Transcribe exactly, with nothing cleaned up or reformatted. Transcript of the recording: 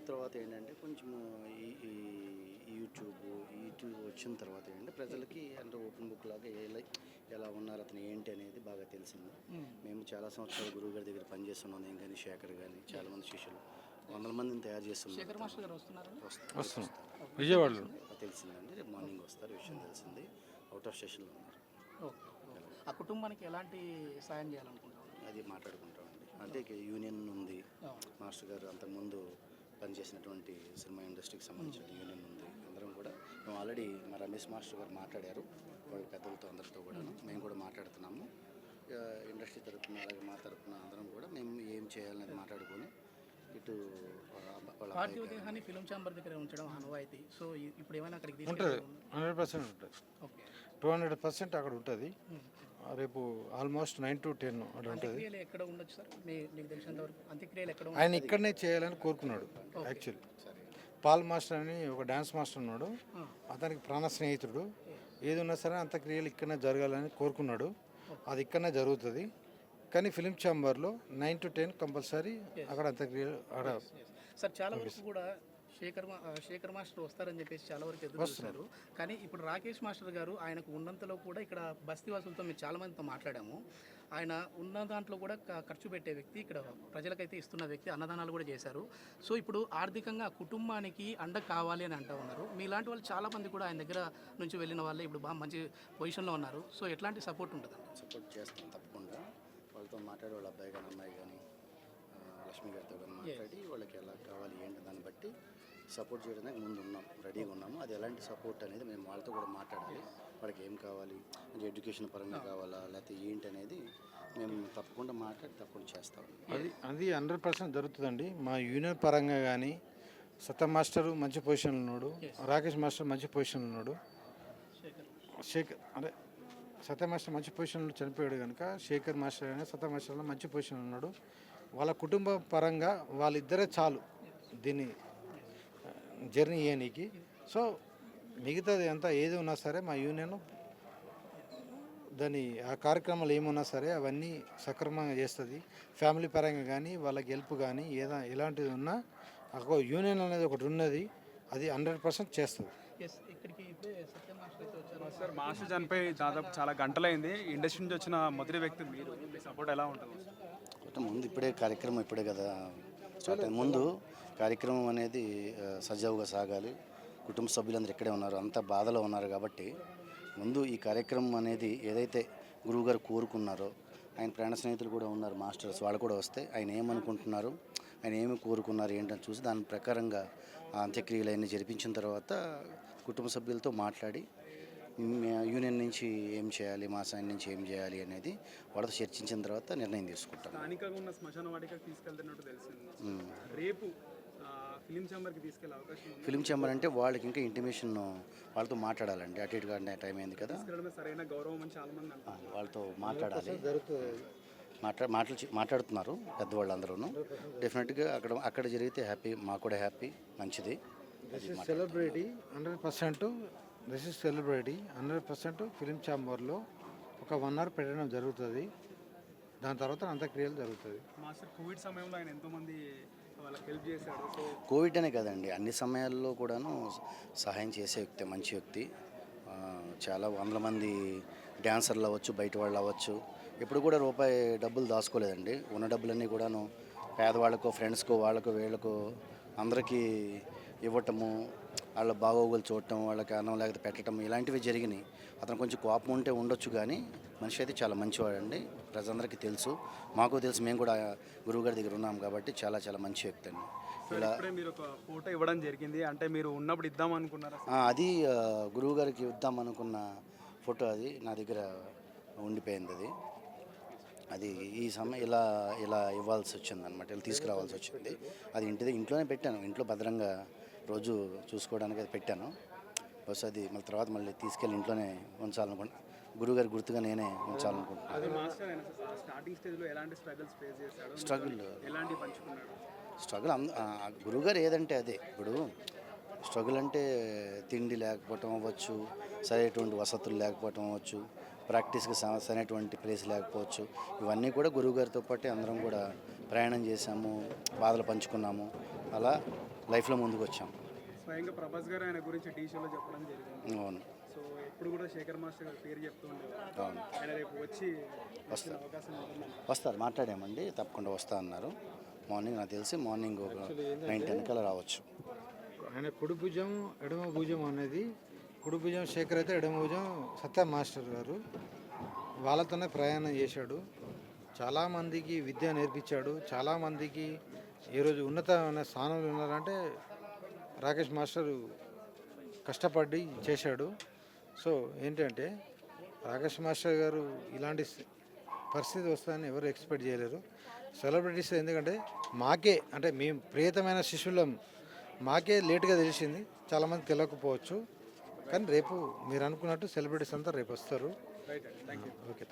తర్వాత ఏంటంటే కొంచెము ఈ ఈ యూట్యూబ్ యూట్యూబ్ వచ్చిన తర్వాత ఏంటంటే ప్రజలకి అంటే ఓపెన్ బుక్ లాగా ఎలా ఎలా ఉన్నారు అతను ఏంటి అనేది బాగా తెలిసింది. మేము చాలా సంవత్సరాలు గురువు గారి దగ్గర పనిచేస్తున్నాం. నేను కానీ శేఖర్ కానీ చాలామంది శిష్యులు వందల మందిని తయారు చేస్తున్నాం. శేఖర్ మాస్టర్ గారు వస్తున్నారు వస్తున్నాం విజయవాడలో తెలిసిందండి. రేపు మార్నింగ్ వస్తారు, విషయం తెలిసింది. అవుట్ ఆఫ్ స్టేషన్లో ఉన్నారు. ఓకే. ఆ కుటుంబానికి ఎలాంటి సాయం చేయాలనుకుంటున్నారు? అది మాట్లాడుకుంటామండి. అంటే యూనియన్ ఉంది. మాస్టర్ గారు అంతకుముందు పనిచేసినటువంటి సినిమా ఇండస్ట్రీకి సంబంధించిన యూనియన్ ఉంది. అందరం కూడా మేము ఆల్రెడీ మా రమేష్ మాస్టర్ గారు మాట్లాడారు వాళ్ళ పెద్దలతో అందరితో కూడా. మేము కూడా మాట్లాడుతున్నాము. ఇండస్ట్రీ తరఫున అలాగే మా తరఫున అందరం కూడా మేము ఏం చేయాలనేది మాట్లాడుకొని ఇటు పార్థివ దేహాన్ని ఫిలిం ఛాంబర్ దగ్గర ఉంచడం ఆనవాయితీ. సో ఇప్పుడు ఏమైనా అక్కడికి ఉంటుంది, హండ్రెడ్ పర్సెంట్ ఉంటుంది. ఓకే, టూ హండ్రెడ్ పర్సెంట్ అక్కడ ఉంటుంది. రేపు ఆల్మోస్ట్ నైన్ టు టెన్ అక్కడ ఉంటుంది. ఎక్కడ ఉండొచ్చు సార్ మీకు తెలిసినంత వరకు? అంత్యక్రియలు ఎక్కడ? ఆయన ఇక్కడనే చేయాలని కోరుకున్నాడు. యాక్చువల్లీ పాల్ మాస్టర్ అని ఒక డ్యాన్స్ మాస్టర్ ఉన్నాడు, అతనికి ప్రాణ స్నేహితుడు. ఏది ఉన్నా సరే అంత్యక్రియలు ఇక్కడనే జరగాలని కోరుకున్నాడు. అది ఇక్కడనే జరుగుతుంది. కానీ ఫిలిం ఛాంబర్లో నైన్ టు టెన్ కంపల్సరీ అక్కడ అంత్యక్రియలు అక్కడ. సార్ చాలా వరకు కూడా శేఖర్ మా శేఖర్ మాస్టర్ వస్తారని చెప్పేసి చాలా వరకు ఎదురు చూస్తున్నారు. కానీ ఇప్పుడు రాకేష్ మాస్టర్ గారు ఆయనకు ఉన్నంతలో కూడా ఇక్కడ బస్తీవాసులతో మేము చాలా మందితో మాట్లాడాము. ఆయన ఉన్న దాంట్లో కూడా ఖర్చు పెట్టే వ్యక్తి, ఇక్కడ ప్రజలకైతే ఇస్తున్న వ్యక్తి, అన్నదానాలు కూడా చేశారు. సో ఇప్పుడు ఆర్థికంగా కుటుంబానికి అండ కావాలి అని అంటూ ఉన్నారు. మీలాంటి వాళ్ళు చాలామంది కూడా ఆయన దగ్గర నుంచి వెళ్ళిన వాళ్ళే ఇప్పుడు బాగా మంచి పొజిషన్లో ఉన్నారు. సో ఎట్లాంటి సపోర్ట్ ఉంటుంది? సపోర్ట్ చేస్తాం తప్పకుండా. వాళ్ళతో మాట్లాడి వాళ్ళ అబ్బాయి కానీ అమ్మాయి కానీ లక్ష్మి గారితో కానీ మాట్లాడి వాళ్ళకి ఎలా కావాలి ఏంటి దాన్ని బట్టి సపోర్ట్ చేయడానికి ముందు ఉన్నాం, రెడీగా ఉన్నాము. అది ఎలాంటి సపోర్ట్ అనేది మేము వాళ్ళతో కూడా మాట్లాడాలి. వాళ్ళకి ఏం కావాలి, అంటే ఎడ్యుకేషన్ పరంగా కావాలా లేకపోతే ఏంటి అనేది మేము తప్పకుండా మాట్లాడి తప్పకుండా చేస్తాం. అది అది హండ్రెడ్ పర్సెంట్ జరుగుతుందండి. మా యూనియన్ పరంగా కానీ సత్య మాస్టర్ మంచి పొజిషన్లో ఉన్నాడు, రాకేష్ మాస్టర్ మంచి పొజిషన్లో ఉన్నాడు. శేఖర్ అంటే సత్య మాస్టర్ మంచి పొజిషన్లో చనిపోయాడు కనుక శేఖర్ మాస్టర్ అయినా సత్య మాస్టర్లో మంచి పొజిషన్లో ఉన్నాడు. వాళ్ళ కుటుంబ పరంగా వాళ్ళిద్దరే చాలు దీన్ని జర్నీ చేయనీకి. సో మిగతాది అంతా ఏది ఉన్నా సరే మా యూనియన్ దాని ఆ కార్యక్రమాలు ఏమున్నా సరే అవన్నీ సక్రమంగా చేస్తుంది. ఫ్యామిలీ పరంగా కానీ వాళ్ళకి హెల్ప్ కానీ ఏదా ఎలాంటిది ఉన్నా ఒక యూనియన్ అనేది ఒకటి ఉన్నది, అది హండ్రెడ్ పర్సెంట్ చేస్తుంది. సార్ మాస్టర్ చనిపోయి దాదాపు చాలా గంటలైంది. ఇండస్ట్రీ నుంచి వచ్చిన మొదటి వ్యక్తి మీరు, మీ సపోర్ట్ ఎలా ఉంటుంది? ముందు ఇప్పుడే కార్యక్రమం ఇప్పుడే కదా స్టార్ట్ అయింది. ముందు కార్యక్రమం అనేది సజావుగా సాగాలి. కుటుంబ సభ్యులందరూ ఇక్కడే ఉన్నారు, అంత బాధలో ఉన్నారు కాబట్టి ముందు ఈ కార్యక్రమం అనేది ఏదైతే గురువుగారు కోరుకున్నారో, ఆయన ప్రాణ స్నేహితులు కూడా ఉన్నారు మాస్టర్స్, వాళ్ళు కూడా వస్తే ఆయన ఏమనుకుంటున్నారు, ఆయన ఏమి కోరుకున్నారు ఏంటని చూసి దాని ప్రకారంగా ఆ అంత్యక్రియలు అన్నీ జరిపించిన తర్వాత కుటుంబ సభ్యులతో మాట్లాడి యూనియన్ నుంచి ఏం చేయాలి, మా సైన్ నుంచి ఏం చేయాలి అనేది వాళ్ళతో చర్చించిన తర్వాత నిర్ణయం తీసుకుంటాం. స్థానికంగా ఉన్న శ్మశాన వాటికి తీసుకెళ్తున్నట్టు తెలిసింది. రేపు ఫిలిం ఛాంబర్కి తీసుకెళ్ళే అవకాశం? ఫిలిం ఛాంబర్ అంటే వాళ్ళకి ఇంకా ఇంటిమేషన్ వాళ్ళతో మాట్లాడాలండి. అటు ఇటుగా టైం అయింది కదా, సరైన గౌరవం అని చాలా మంది అంటారు. వాళ్ళతో మాట్లాడాలి. మాట్లా మాటలు మాట్లాడుతున్నారు పెద్దవాళ్ళు అందరూ. డెఫినెట్గా అక్కడ అక్కడ జరిగితే హ్యాపీ, మాకు కూడా హ్యాపీ, మంచిది. Celebrity hundred percent this is celebrity hundred percent film ఛాంబర్లో ఒక వన్ అవర్ పెట్టడం జరుగుతుంది. దాని తర్వాత అంత్యక్రియలు జరుగుతుంది. మాస్టర్ కోవిడ్ సమయంలో ఆయన ఎంతోమంది వాళ్ళకి హెల్ప్ చేశాడు. కోవిడ్ అనే కదండి, అన్ని సమయాల్లో కూడాను సహాయం చేసే వ్యక్తి, మంచి వ్యక్తి. చాలా వందల మంది డ్యాన్సర్లు అవ్వచ్చు, బయట వాళ్ళు అవ్వచ్చు, ఎప్పుడు కూడా రూపాయి డబ్బులు దాచుకోలేదండి. ఉన్న డబ్బులన్నీ కూడాను పేదవాళ్ళకో, ఫ్రెండ్స్కో, వాళ్ళకు వీళ్ళకు అందరికీ ఇవ్వటము, వాళ్ళ బాగోగులు చూడటం, వాళ్ళకి అన్నం లేకపోతే పెట్టడం, ఇలాంటివి జరిగినాయి. అతను కొంచెం కోపం ఉంటే ఉండొచ్చు, కానీ మనిషి అయితే చాలా మంచివాడండి. ప్రజలందరికీ తెలుసు, మాకు తెలుసు, మేము కూడా గురువుగారి దగ్గర ఉన్నాం కాబట్టి చాలా చాలా మంచి వ్యక్తి అండి. ఇలా మీరు ఒక ఫోటో ఇవ్వడం జరిగింది, అంటే మీరు ఉన్నప్పుడు ఇద్దాం అనుకున్నారా? అది గురువుగారికి ఇద్దాం అనుకున్న ఫోటో, అది నా దగ్గర ఉండిపోయింది. అది అది ఈ సమయం ఇలా ఇలా ఇవ్వాల్సి వచ్చింది అనమాట, ఇలా తీసుకురావాల్సి వచ్చింది. అది ఇంటి ఇంట్లోనే పెట్టాను, ఇంట్లో భద్రంగా రోజు చూసుకోవడానికి అది పెట్టాను. బస్ అది మళ్ళీ తర్వాత మళ్ళీ తీసుకెళ్ళి ఇంట్లోనే ఉంచాలనుకుంటున్నాను. గురువుగారి గుర్తుగా నేనే ఉంచాలనుకుంటున్నాను. స్ట్రగుల్ స్ట్రగుల్ అంద గురువుగారు ఏదంటే అదే. ఇప్పుడు స్ట్రగుల్ అంటే తిండి లేకపోవటం అవ్వచ్చు, సరైనటువంటి వసతులు లేకపోవటం అవ్వచ్చు, ప్రాక్టీస్కి సరైనటువంటి ప్లేస్ లేకపోవచ్చు. ఇవన్నీ కూడా గురువుగారితో పాటు అందరం కూడా ప్రయాణం చేశాము, బాధలు పంచుకున్నాము. అలా లైఫ్లో ముందుకు వచ్చాం. స్వయంగా ప్రభాస్ గారు ఆయన గురించి టీ షోలో చెప్పడం జరిగింది. అవును సో ఎప్పుడు కూడా శేఖర్ మాస్టర్ గారి పేరు చెప్తూ ఉండేవారు. అవును ఆయన రేపు వచ్చి వచ్చిన అవకాశం ఉంటుందండి. వస్తారు, మాట్లాడామండి, తప్పకుండా వస్తా అన్నారు. మార్నింగ్ నాకు తెలిసి మార్నింగ్ ఒక నైన్ టెన్ కల్లా రావచ్చు. ఆయన కుడి భుజం ఎడమ భుజం అనేది, కుడి భుజం శేఖర్ అయితే ఎడమ భుజం సత్య మాస్టర్ గారు. వాళ్ళతోనే ప్రయాణం చేశాడు, చాలామందికి విద్య నేర్పించాడు, చాలామందికి ఈరోజు ఉన్నతమైన స్థానంలో ఉన్నారంటే రాకేష్ మాస్టర్ కష్టపడి చేశాడు. సో ఏంటంటే రాకేష్ మాస్టర్ గారు ఇలాంటి పరిస్థితి వస్తుందని ఎవరు ఎక్స్పెక్ట్ చేయలేరు. సెలబ్రిటీస్ ఎందుకంటే మాకే అంటే మేము ప్రియతమైన శిష్యులం, మాకే లేట్గా తెలిసింది, చాలామంది తెలియకపోవచ్చు. కానీ రేపు మీరు అనుకున్నట్టు సెలబ్రిటీస్ అంతా రేపు వస్తారు. రైట్ అండి, థ్యాంక్ యూ. ఓకే.